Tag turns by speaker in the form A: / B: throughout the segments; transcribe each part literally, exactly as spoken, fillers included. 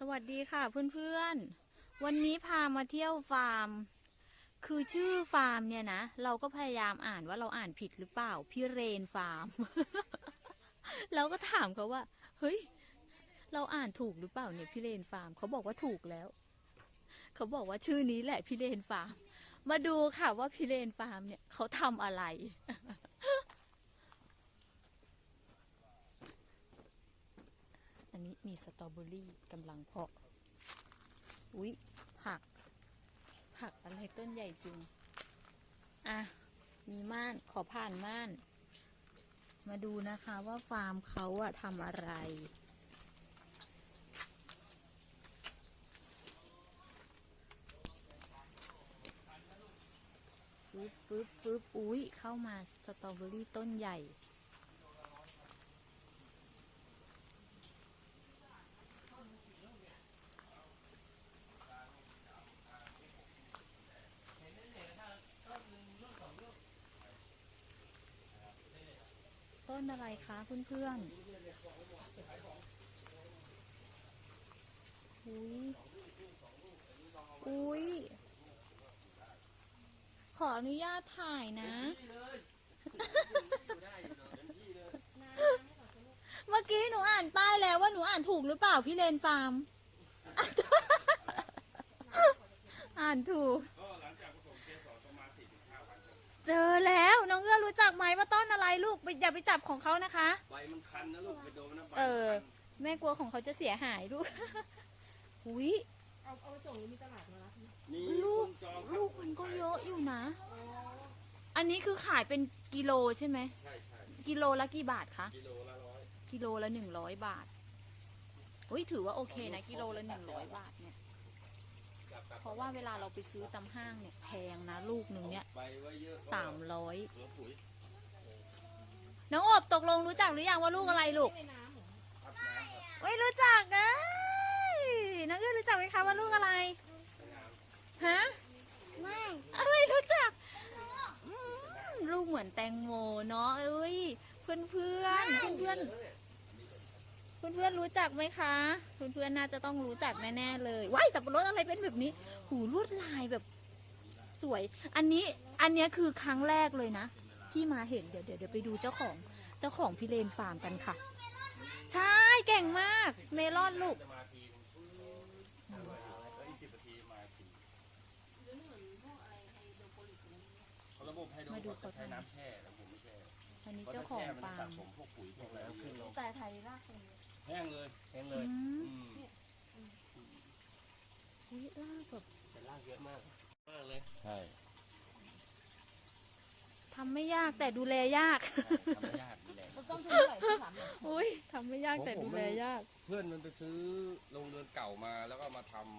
A: วัสดีค่ะเพื่อนๆวันนี้พามาเที่ยวฟาร์มคือชื่อฟาร์มเนี่ยนะเราก็พยายามอ่านว่าเราอ่านผิดหรือเปล่าพี่เรนฟาร์ม เราก็ถามเขาว่าเฮ้ยเราอ่านถูกหรือเปล่าเนี่ยพี่เรนฟาร์มเขาบอกว่าถูกแล้วเขาบอกว่าชื่อนี้แหละพี่เรนฟาร์มมาดูค่ะว่าพี่เรนฟาร์มเนี่ยเขาทำอะไร อันนี้มีสตรอเบอรี่กำลังเพาะอุ๊ยผักผักอะไรต้นใหญ่จริงอ่ะมีม่านขอผ่านม่านมาดูนะคะว่าฟาร์มเขาอะทำอะไรฟึบฟึบฟึบอุ๊ยเข้ามาสตรอเบอรี่ต้นใหญ่ต้นอะไรคะเพื่อนๆอุ๊ยอุ๊ยขออนุญาตถ่ายนะ เมื่อกี้หนูอ่านป้ายแล้วว่าหนูอ่านถูกหรือเปล่าพี่เลนฟาร์ม อ่านถูกเจอแล้วน้องเอื้อรู้จักไหมว่าต้นอะไรลูกอย่าไปจับของเขานะคะ
B: ใบมันคันนะลูกไปโดนนะใบ
A: เออแม่กลัวของเขาจะเสียหายลูกหุย
C: เอาเอาไปส่งหรือมีตลาดมารับ
B: นี่
A: ลูก
B: จอง
A: ลูกมันก็เยอะอยู่นะอันนี้คือขายเป็นกิโลใช่ไหม
B: ใช่ใช่
A: กิโลละกี่บาทคะ
B: กิโลละร้อย
A: กิโลละหนึ่งร้อยบาทอุ้ยถือว่าโอเคนะกิโลละหนึ่งร้อยบาทเนี่ยเพราะว่าเวลาเราไปซื้อตามห้างเนี่ยแพงนะลูกหนึ่งเนี่ยสามร้อยน้องอบตกลงรู้จักหรือยังว่าลูกอะไรลูกไม่รู้จักนะน้องเอื้อรู้จักไหมคะว่าลูกอะไรฮะไม่ไม่รู้จักลูกเหมือนแตงโมเนาะเอ้ยเพื่อนเพื่อนเพื่อนเพื่อนเพื่อนเพื่อนรู้จักไหมคะเพื่อนเพื่อนน่าจะต้องรู้จักแน่ๆเลยว้ายสับปะรดอะไรเป็นแบบนี้หูลวดลายแบบสวยอันนี้อันนี้คือครั้งแรกเลยนะที่มาเห็นเดี๋ยวเดี๋ยวเดี๋ยวไปดูเจ้าของเจ้าของพี่เลนฟาร์มกันค่ะใช่เก่งมากเมลอนลูกมาดูเขาทำน้ำแช่แล้วผมไม่แช่อันนี้เจ้าของฟาร์ม
C: แต่ไทยรากเป็น
B: แห้งเลยแห้งเลย
A: อุ้ยรากแบบ
B: แต่รากเยอะมากมากเลยใช่
A: ทำไม่ยากแต่ดูแลยาก
B: ทำไม่ยากดูแล
C: ต้องทุนเท่าไหร่ที่ถาม
A: อุ้ยทำไม่ยากแต่ดูแลยาก
B: เพื่อนมันไปซื้อโรงเรือนเก่ามาแล้วก็มาทำ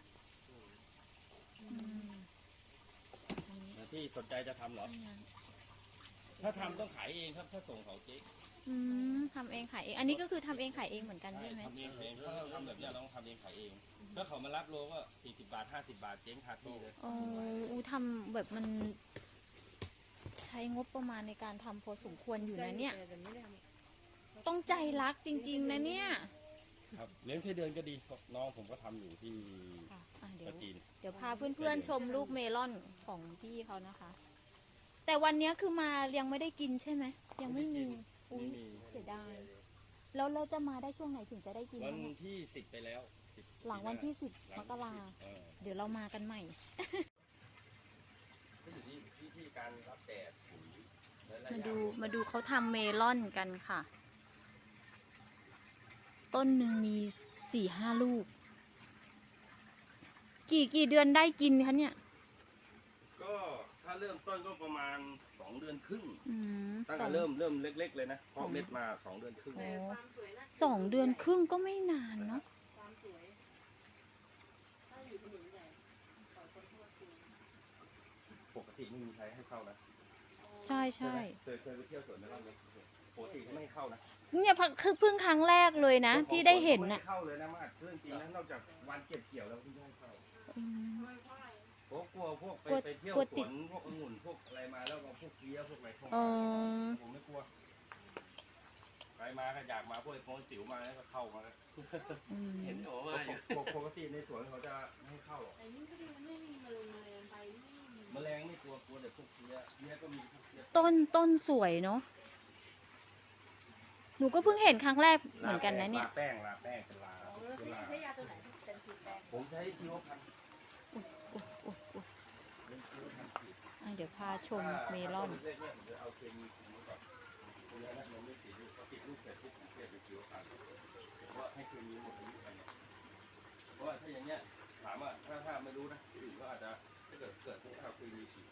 B: ที่สนใจจะทำเหรอถ้าทำต้องขายเองครับถ้าส่งเขาเจ๊
A: อืมทำเองขายเองอันนี้ก็คือทำเองขายเองเหมือนกันใช่ไหม
B: ทำเองขายเองถ้าเราทำแบบนี้เราต้องทำเองขายเองถ้าเขามารับโลก็สี่สิบบาทห้าสิบบาทเจ๊งคาที่เลย
A: อ๋ออูทำแบบมันใช้งบประมาณในการทำพอสมควรอยู่นะเนี่ยต้องใจรักจริงๆนะเนี่ย
B: ครับเลี้ยงไส้เดือนก็ดีน้องผมก็ทำอยู่ที่
A: ประจีนเดี๋ยวพาเพื่อนๆชมลูกเมลอนของพี่เขานะคะแต่วันนี้คือมายังไม่ได้กินใช่ไหมยังไม่มีอุ้ยเสียดายแล้วเราจะมาได้ช่วงไหนถึงจะได้กิน
B: วันที่สิบไปแล้ว
A: หลังวันที่สิบมกราเดี๋ยวเรามากันใหม่
B: ก็อยู่ที่ที่การรับแดด
A: มาดูมาดูเขาทำเมลอนกันค่ะต้นหนึ่งมีสี่ห้าลูกกี่กี่เดือนได้กินคะเนี่ย
B: ก็ถ้าเริ่มต้นก็ประมาณสองเดือนครึ่งตั้งแต่เริ่มเริ่มเล็กๆเลยนะเพาะเม็ดมาสองเดือนครึ่ง
A: สองเดือนครึ่งก็ไม่นานเนาะ
B: ปกติไม่มีใครให้เข้านะ
A: ใช่ใช่
B: เคยเคยไปเที่ยวสวนแล้วปกติเขาไม่เข้านะ
A: เนี่ยคือเพิ่งครั้งแรกเลยนะที่ได้เห็นน่ะ
B: เข้าเลยนะมาเรื่องจริงนะนอกจากวันเก็บเกี่ยวแล้วที่ได้เข้าเพราะกลัวพวกไปไปเที่ยวสวนพวกองุ่นพวกอะไรมาแล้วก็พวกเกี้ยวพวกอะไรเข้ามาผมไม่กลัวไปมาก็อยากมาพวกไอ้โป้ติ๋วมาแล้วก็เข้ามาเห็นโอ้มาอยู่สวนเขาจะไม่ให้เข้าหรอก
C: แต่นี่ก็ดีมันไม่มีแมลงแมลงไปไม่มี
B: แมลงไม่กลัวกลัวแต่พวกเพี้ยเพี้ยก็มีพวกเพี้ย
A: ต้นต้นสวยเนาะหนูก็เพิ่งเห็นครั้งแรกเหมือนกันนะเนี่ย
B: ลาแป้งลาแป้งเป็นลา
C: อ๋อแล้ว
B: เป็นลา
C: ใช้ยาตัวไหนเป็นสีแดง
B: ผมใช้ชีวพันธุ์
A: อุ๊ยอุ๊ยอุ๊ยอุ๊ย
B: เป็นชีวพันธุ์ฉีด
A: อ่ะเดี๋ยวพาชมเมลอน
B: ถ้าต้นเล็กๆเนี่ยผมจะเอาเคมีคุมไว้ก่อนตรงนี้นะมันไม่ติดลูกพอติดลูกเสร็จปุ๊บผมเปลี่ยนเป็นชีวพันธุ์เพราะว่าให้เคมีหมดอายุไปเนี่ยเพราะว่าถ้าอย่างเงี้ยถามว่าถ้าถ้าไม่รู้นะอื่นก็อาจจะถ้าเกิดเกิดพวกข้าวเคมีฉีด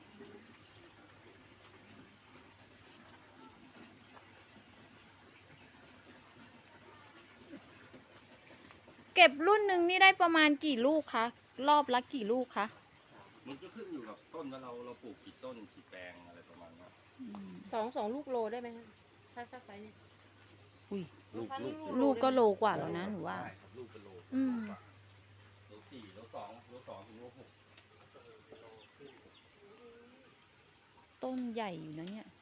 A: เก็บรุ่นหนึ่งนี่ได้ประมาณกี่ลูกคะ รอบละกี่ลูกคะ
B: มันก็ขึ้นอยู่กับต้นว่าเราเราปลูกกี่ต้นกี่แปลงอะไรประมาณนั้น
C: สองสองลูกโลได้ไหมคะถ้าถ้าไซส์เนี่ย
A: อุ้ย
B: ลูกลูก
A: ลูกก็โลกว่าแล้วนะหนูว่า
B: ใช่ครับลูกเป็นโล
A: อืม
B: โลสี่โลสองโลสองถึงโลหก
A: ต้นใหญ่อยู่นะเนี่ย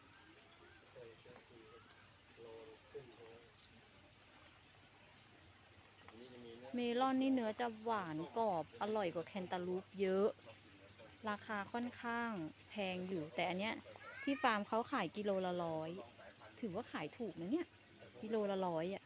B: อันนี้จะมีเนื้อ
A: เมลอนนี่เนื้อจะหวานกรอบอร่อยกว่าแคนตาลูปเยอะ ราคาค่อนข้างแพงอยู่ แต่อันเนี้ยที่ฟาร์มเขาขายกิโลละร้อย ถือว่าขายถูกนะเนี่ย กิโลละร้อยอ่ะ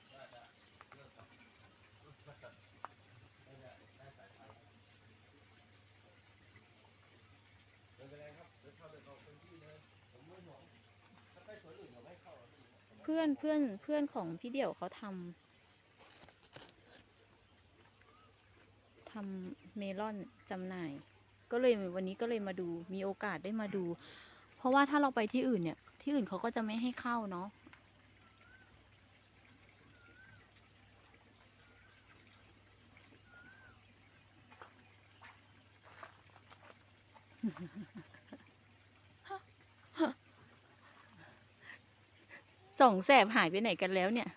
B: ไม่เป็นไรครับเดี๋ยวเข้าไปเอาพื้นที่เลยผมไม่ห่วงถ้าไปสวนอื่นเขาไม่ให้เข้าหรอกพี่
A: เพื่อนเพื่อนเพื่อนของพี่เดี่ยวเขาทำทำเมลอนจำหน่าย ก็เลยวันนี้ก็เลยมาดูมีโอกาสได้มาดู เพราะว่าถ้าเราไปที่อื่นเนี่ย ที่อื่นเขาก็จะไม่ให้เข้าเนาะ สองแสบหายไปไหนกันแล้วเนี่ย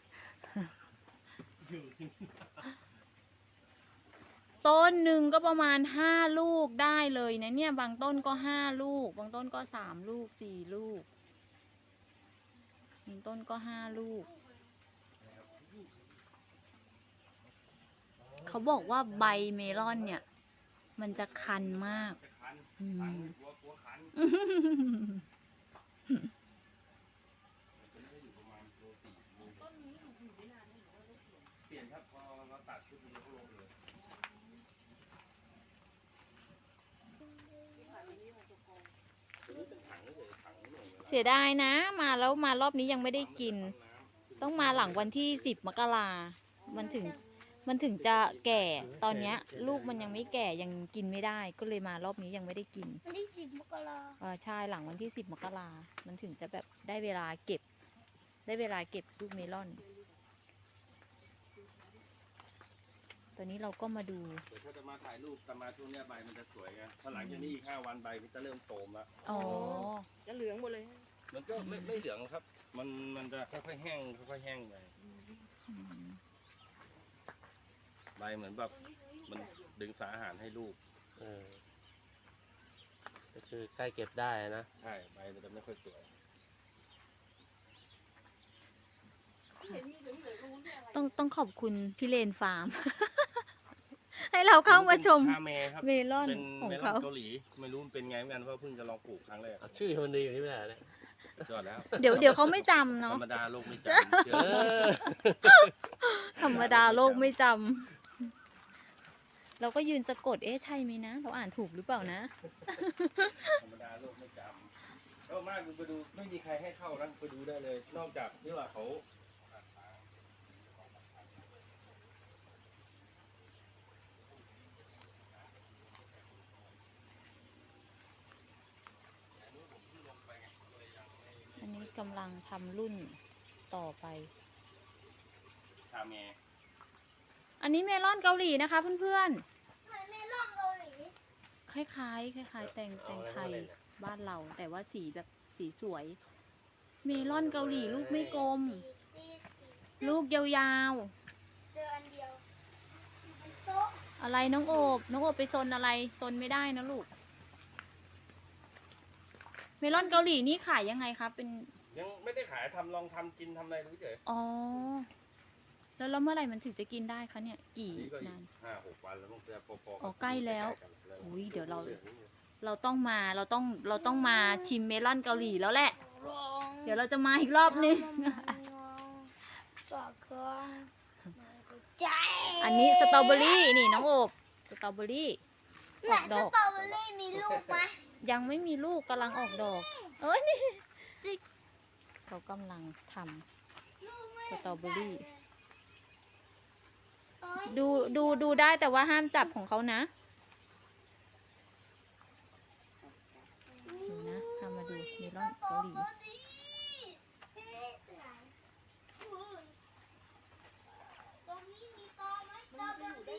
A: ต้นหนึ่งก็ประมาณห้าลูกได้เลยนะเนี่ย บางต้นก็ห้าลูก บางต้นก็สามลูกสี่ลูก บางต้นก็ห้าลูก เขาบอกว่าใบเมลอนเนี่ย มันจะคันมาก
B: จะคัน
A: อื
B: คัน
A: ม
B: กลัวกลัวคันมันจะอยู่ประมาณโลสี่โลหก
C: ต้นนี้อยู่อยู่ได้นานไหมหรือว่าได้เปลี่ยน
B: เปลี่ยนครับพอเราตัดทุกทีก็ลงเลย
C: ที่ผ่านมานี้ของตัวกอง
B: ตัวนี้เป็นถังเฉยๆถังหน่อย
A: เสียดายนะ มาแล้วมารอบนี้ยังไม่ได้กิน ต้องมาหลังวันที่สิบมกรามันถึงมันถึงจะแก่ ตอนเนี้ย ลูกมันยังไม่แก่ยังกินไม่ได้ ก็เลยมารอบนี้ยังไม่ได้กิน
D: วันที่สิบมกรา
A: เออใช่หลังวันที่สิบมกรามันถึงจะแบบได้เวลาเก็บ ได้เวลาเก็บลูกเมลอน ตอนนี้เราก็มาดู
B: เดี๋ยวถ้าจะมาถ่ายรูปแต่มาช่วงเนี้ยใบมันจะสวยไงถ้าหลังจากนี้อีกห้าวันใบมันจะเริ่มโทรมแล้ว
A: อ๋อ
C: จะเหลืองหมดเลย
B: มันก็ไม่ไม่เหลืองครับ มันมันจะค่อยๆแห้งค่อยๆแห้งไปใบเหมือนแบบมันดึงสารอาหารให้ลูก
E: เออก็คือใกล้เก็บได้นะ
B: ใช่ใบมันจะไม่ค่อยสวย
C: เห็นมีเหลืองเหลืองตรงนู้นด้วยอะไร
A: ต้องต้องขอบคุณพี่เลนฟาร์ม ให้เราเข้ามาชม
B: ชาเมครับ
A: เมลอน
B: เป็น
A: ของ
B: เมลอ
A: เขา
B: นเกาหลีไม่รู้มันเป็นไงเหมือนกันเพราะเพิ่งจะลองปลูกครั้งแรก
E: เอาชื่อมันดีอยู่ที่ไหนเนี่ย
B: ยอดแล้ว
A: เดี๋ยวเดี๋ยวเขาไม่จำ
B: ธร
A: เนาะ
B: รมดาโลกไม่จำเชื่อ
E: เออ
A: ธรรมดาโลกไม่จำ เราก็ยืนสะกด เอ๊ะใช่ไหมนะ เราอ่านถูกหรือเปล่านะ
B: ธรรมดาโลกไม่จำก็มากไปดูไม่มีใครให้เข้านะไปดูได้เลย นอกจากที่ว่าเขา
A: อันนี้กำลังทำรุ่นต่อไป
B: ชาเม
A: อันนี้เมลอนเกาหลีนะคะเพื่อน
D: เหมือนเมลอนเกาหลี
A: ๆ คล้ายๆ คล้ายๆ แตงแตงไทยบ้านเรา แต่ว่าสีแบบสีสวย เมลอนเกาหลีลูกไม่กลม
D: ตีตี
A: ลูกยาว
D: เจออันเดียวบนโต๊ะ
A: ๆ อะไรน้องโอบ น้องโอบไปซนอะไรซนไม่ได้นะลูก เมลอนเกาหลีนี่ขายยังไงคะเป็น
B: ยังไม่ได้ขายทำลองทำกินทำอะไรดูเฉย
A: อ๋อ แแล้วแล้วเมื่อไหร่มันถึงจะกินได้คะเนี่ย กี่
B: นี่ก็อีก
A: นาน
B: ห้าหกวันแล้วต้องจะพอๆ
A: อ๋อใกล้แล้ว
B: ใกๆกัน
A: อุ๊ยเดี๋ยวเรา เราต้องมาเราต้องเราต้องมาชิมเมลอนเกาหลีแล้วแหละ
D: ร้อง
A: เดี๋ยวเราจะมาอีกรอบนึง
D: ก็เครื่องใจ
A: อันนี้สตรอเบอรี่นี่น้องโอบสตรอเบอรี่อ
D: ไหน
A: อก
D: ส
A: ดอก
D: ตรอเบอรี่มีลูกไหม
A: ยังไม่มีลูกกำลังออกดอก เอ้ยนี่เขากำลังทำ
D: ลูกไม่
A: สตรอเบอรี่
D: โอ๊ย
A: ดูดูดูได้แต่ว่าห้ามจับของเขานะดูนะทำมาดูเมลอนเกาหลี
D: เอ๊ะไหนอุ้ยตรงนี้มีตอไหมตอแบบนี้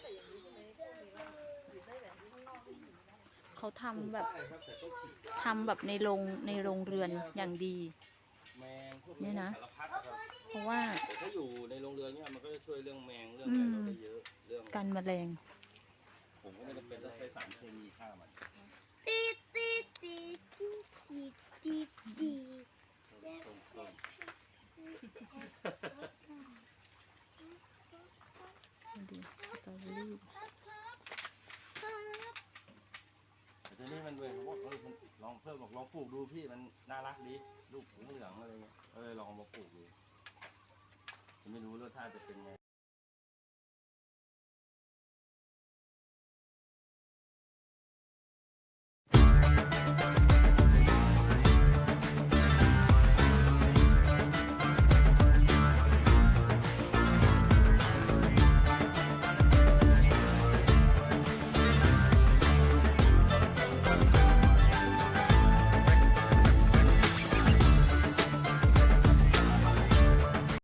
A: เขาทำแบบ
B: ได้ครับแต่ต้องฉีด
A: ทำแบบในโรงในโรงเรือนอย่างดี
B: แมงพวก
A: นี่นะ
B: สารพัดครับ
A: เพราะว่า
B: แต่ถ้าอยู่ในโรงเรือนเนี่ยมันก็จะช่วยเรื่องแมงเรื่องอะไรเราได้เยอะเรื่อง
A: กันแมลง
B: ผมก็ไม่จำเป็นต้องใช้สารเคมีฆ่ามัน
D: ตีตีตีตีตีตีตี
B: ต้นต้น
A: ดูสตรอเบอรี่
B: แต่ทีนี้มันเว้ยผมว่าเออมันลองเพิ่มบอกลองปลูกดูพี่มันน่ารักดีลูกเหลืองอะไรเงี้ยเออลองเอามาปลูกดูผมไม่รู้รสชาติจะเป็นไง